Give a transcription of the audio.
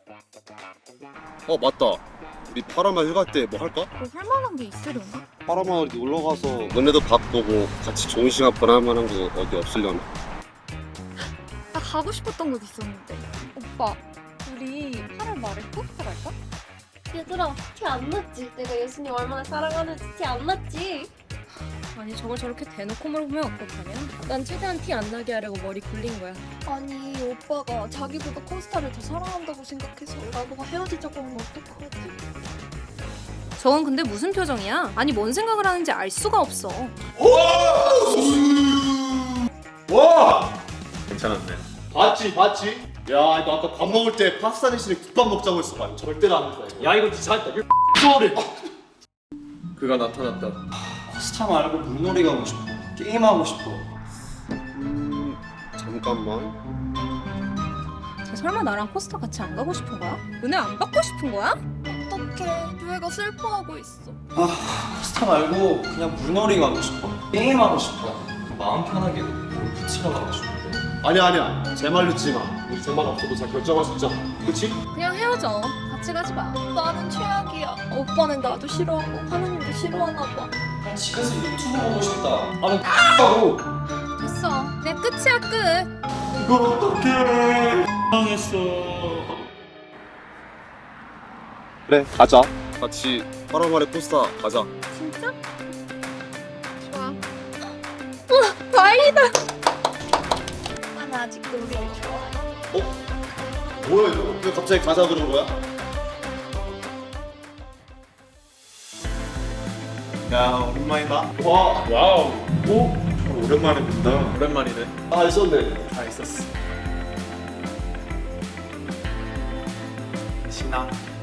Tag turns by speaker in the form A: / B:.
A: 맞다. 우리 파라마 휴가 때 뭐 할까?
B: 뭐 할만한 게 있으려나?
A: 파라마 어디 놀러 가서 너네도 밥 보고 같이 좋은 시간 보낼 만한 거 어디 없으려나?
B: 나 가고 싶었던 곳 있었는데. 오빠, 우리 8월 말에 포스터 갈까?
C: 얘들아, 티 안 났지? 내가 예수님 얼마나 사랑하는지 티 안 났지?
D: 아니 저걸 저렇게 대놓고 물어보면 어떡하냐? 난 최대한 티 안 나게 하려고 머리 굴린 거야.
C: 아니, 오빠가 자기보다 콘스타를 더 사랑한다고 생각해서 나보고 헤어지자고 하면 어떡하지?
D: 저건 근데 무슨 표정이야? 아니 뭔 생각을 하는지 알 수가 없어.
E: 와! 괜찮았네.
A: 봤지? 야, 너 아까 밥 먹을 때 파스타 대신에 국밥 먹자고 했어. 절대로 안 된다.
E: 야 이거 진짜
A: 소리.
E: 그가 나타났다.
F: 스타 말고 물놀이 가고 싶어. 게임하고 싶어.
A: 잠깐만.
D: 쟤 설마 나랑 포스터 같이 안 가고 싶은 거야? 은혜 안 받고 싶은 거야?
C: 어떡해, 류애가 슬퍼하고 있어.
F: 스타 말고 그냥 물놀이 가고 싶어. 게임하고 싶어. 마음 편하게 골프 치러 가고 싶어.
A: 아니야. 제 말 듣지 마. 우리 제 말 없어도 잘 결정할 수 있잖아. 그치?
D: 그냥 헤어져. 같이 가지 마.
C: 나는 최악이야. 오빠는 나도 싫어하고 하나님도 싫어하나 봐.
F: 집에서 유튜브 보고 싶다.
A: 하고.
D: 됐어. 그냥 끝이야 끝.
F: 이걸 어떡해. 망했어.
A: 그래, 가자. 같이 파라마의 포스타 가자.
D: 진짜?
B: 좋아.
D: 다행이다.
C: 오빠는 아직도 우리를 좋아해.
A: 뭐야 이거? 왜 갑자기 가자 그런 거야?
F: 야, 오랜만이다.
E: 와우. 오? 오랜만에 본다. 오랜만이네.
A: 있었네.
F: 다 있었어. 신나.